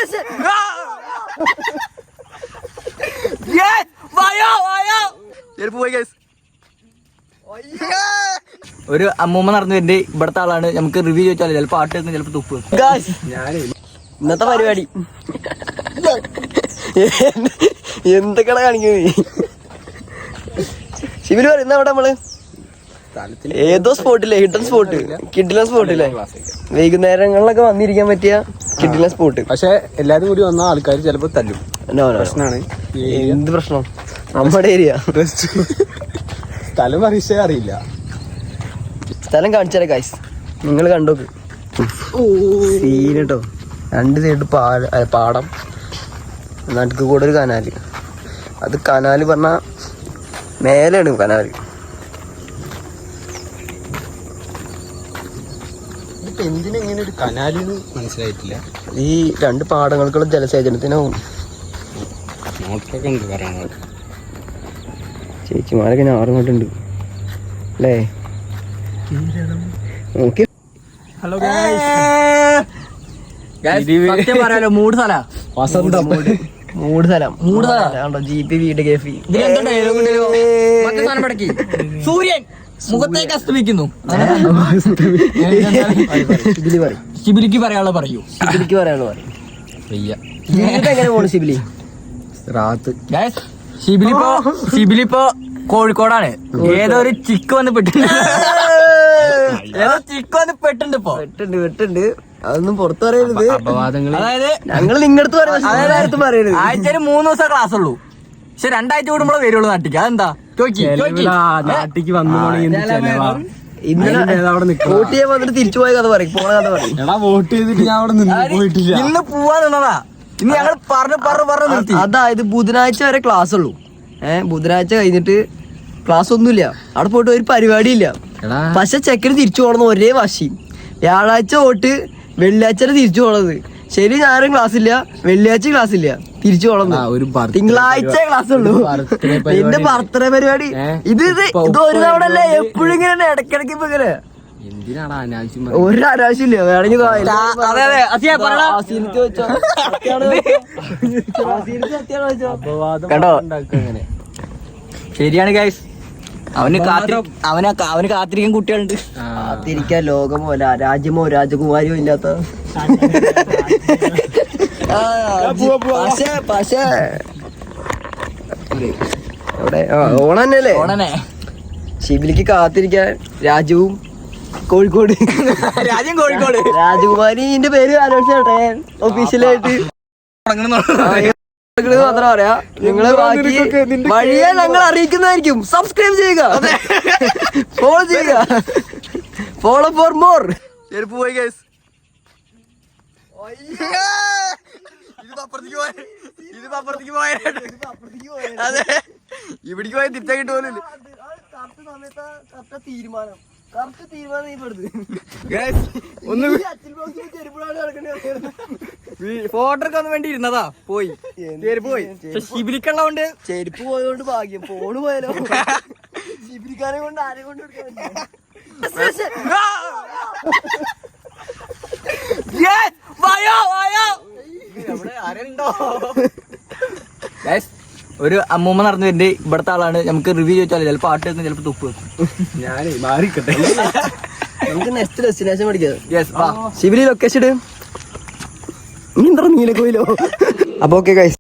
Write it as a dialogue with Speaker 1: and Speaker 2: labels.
Speaker 1: ഒരു അമ്മൂമ്മ നടന്നു വരുന്നുണ്ട്. ഇവിടത്തെ ആളാണ്. നമുക്ക് റിവ്യൂ ചോദിച്ചാൽ ചിലപ്പോ പാട്ട് വെക്കും, ചിലപ്പോ തുപ്പ് വെക്കും.
Speaker 2: ഇന്നത്തെ പരിപാടി എന്തൊക്കെയാണ് കാണിക്കുന്നത്? ശിവര് പറയുന്ന അവിടെ നമ്മള് ഏതോ സ്പോട്ടില്ലേ, ഹിഡൻ സ്പോട്ട്, കിഡിലൻ സ്പോട്ടില്ലേ, വൈകുന്നേരങ്ങളിലൊക്കെ വന്നിരിക്കാൻ പറ്റിയ കിഡിലൻ സ്പോട്ട്.
Speaker 3: പക്ഷെ എല്ലാരും കൂടി വന്ന ആൾക്കാർ ചിലപ്പോ തല്ലും. പ്രശ്നമാണ്.
Speaker 2: എന്ത് പ്രശ്നം? നമ്മുടെ ഏരിയ
Speaker 3: സ്ഥലം അറിയിച്ചേ അറിയില്ല.
Speaker 2: സ്ഥലം കാണിച്ചാലേ ഗൈസ്, നിങ്ങൾ കണ്ടോക്ക്. സീൻ കേട്ടോ. രണ്ട് സൈഡ് പാടം, നടുക്ക് കൂടെ ഒരു കനാല്. അത് കനാല് പറഞ്ഞ മേലെയാണ് കനാല്.
Speaker 3: എന്തിനെങ്ങനെ ഒരു കനാലിന്ന് മനസ്സിലായിട്ടില്ല.
Speaker 2: ഈ രണ്ട് പാടങ്ങൾക്കുള്ള ജലസേചനത്തിനാവും. ചേച്ചിമാരൊക്കെ ഞാറുങ്ങോട്ടുണ്ട് അല്ലേ? നോക്കി.
Speaker 1: ഹലോ പറയാലോ, മൂട് സ്ഥല
Speaker 2: വസന്തം, മൂട് സ്ഥലം, കണ്ടോ? ജീപ്പി വീട് കേഫി.
Speaker 1: സൂര്യൻ മുഖത്തേക്ക് അസ്തമിക്കുന്നു.
Speaker 2: ശിബിലിക്ക് പറയാനുള്ള പറയൂ. ശിബിലിക്ക് പറയാനുള്ള പറയും. എങ്ങനെ പോണു ശിബിലി?
Speaker 1: ശിബിലിപ്പോ കോഴിക്കോടാണ്. ഏതോ ഒരു ചിക്ക് വന്ന് പെട്ടിട്ടുണ്ട്. ഇപ്പൊ
Speaker 2: വെട്ടുണ്ട്. അതൊന്നും പുറത്തു പറയരുത്.
Speaker 1: അതായത്
Speaker 2: ഞങ്ങൾ നിങ്ങടുത്ത് പറയരുത്.
Speaker 1: ആഴ്ചയിൽ 3 ദിവസം ക്ലാസ് ഉള്ളൂ. പക്ഷെ 2 ആഴ്ച കൂടുമ്പോഴേ വരുള്ളൂ നാട്ടിക്ക്. അതെന്താ?
Speaker 3: നാട്ടിക്ക് വന്നു
Speaker 2: വോട്ട് ചെയ്യാൻ വന്നിട്ട് തിരിച്ചു പോയ കഥ പറയും, പോണ കഥ പറയും.
Speaker 3: വോട്ട് ചെയ്തിട്ട് ഞാൻ അവിടെ നിന്ന് പോയിട്ടില്ല.
Speaker 1: ഇന്ന് പോവാ നിന്നതാ. ഇന്ന് ഞങ്ങൾ പറഞ്ഞു നിർത്തി.
Speaker 2: അതായത് ബുധനാഴ്ച വരെ ക്ലാസ് ഉള്ളൂ. ബുധനാഴ്ച കഴിഞ്ഞിട്ട് ക്ലാസ് ഒന്നുമില്ല. അവിടെ പോയിട്ട് ഒരു പരിപാടി ഇല്ല. പക്ഷെ ചെക്കന് തിരിച്ചു പോകണമെന്ന് ഒരേ വാശി. വ്യാഴാഴ്ച പോയിട്ട് വെള്ളിയാഴ്ച തിരിച്ചു പോണത്. ശരി ഞായറും ക്ലാസ് ഇല്ല, വെള്ളിയാഴ്ച ക്ലാസ് ഇല്ല, തിരിച്ചു പോകണം. തിങ്കളാഴ്ച ക്ലാസ് ഉള്ളൂ. എന്റെ ബർത്ത്ഡേ പരിപാടി ഇത് ഒരു തവണ അല്ലേ, എപ്പോഴും ഇങ്ങനെ ഇടക്കിടക്ക് ഇപ്പൊ ഇങ്ങനെ. ഒരു അനാവശ്യമില്ല. വേണമെങ്കിൽ
Speaker 1: കേട്ടോ, ശരിയാണ് ഗൈസ്. അവന് കാത്തിരിക്കാൻ കുട്ടികളുണ്ട്.
Speaker 2: കാത്തിരിക്കാൻ ലോകമോ രാജ്യമോ രാജകുമാരിയോ ഇല്ലാത്ത. പക്ഷേ ഓണന്നല്ലേ?
Speaker 1: ഓണനെ
Speaker 2: ശിബിലിക്ക് കാത്തിരിക്കാൻ രാജുവും കോഴിക്കോട്.
Speaker 1: രാജ്യം കോഴിക്കോട്.
Speaker 2: രാജകുമാരിന്റെ പേര് അനൗൺസ് ചെയ്യട്ടെ ഒഫീഷ്യലായിട്ട്. മാത്രം പറയാ. നിങ്ങള് ബാക്കി വഴിയെ ഞങ്ങൾ അറിയിക്കുന്നതായിരിക്കും. സബ്സ്ക്രൈബ് ചെയ്യുക, ഫോളോ ചെയ്യുക. Follow for more. ചെരുപ്പ് പോയി ഗൈസ്. അതെ, ഇവിടേക്ക് പോയി തിരിച്ചാക്കിട്ട് പോലും തീരുമാനം.
Speaker 1: ഫോട്ടോക്ക് വേണ്ടി ഇരുന്നതാ, പോയി ചെരുപ്പ് പോയി. ശിബിലിക്കുള്ളതുകൊണ്ട്
Speaker 2: ചെരുപ്പ് പോയതുകൊണ്ട് ഭാഗ്യം. ഫോണ് പോയാലോ? ശിബിലിക്കാരെ കൊണ്ട് ആരെ കൊണ്ട്
Speaker 1: ഒരു അമ്മൂമ്മ നടന്നു വരുന്നുണ്ട്. ഇവിടത്തെ ആളാണ്. നമുക്ക് റിവ്യൂ ചോദിച്ചാൽ ചിലപ്പോ പാട്ട് വെക്കും, ചിലപ്പോ തുപ്പ് വെക്കും.
Speaker 3: ഞാനേ മാറിക്കട്ടെ.
Speaker 2: നമുക്ക് നെക്സ്റ്റ് ഡെസ്റ്റിനേഷൻ പഠിക്കാം. ശിബിലി ലൊക്കേഷൻ നീലക്കോയിലോ? അപ്പൊ ഓക്കെ ഗൈസ്.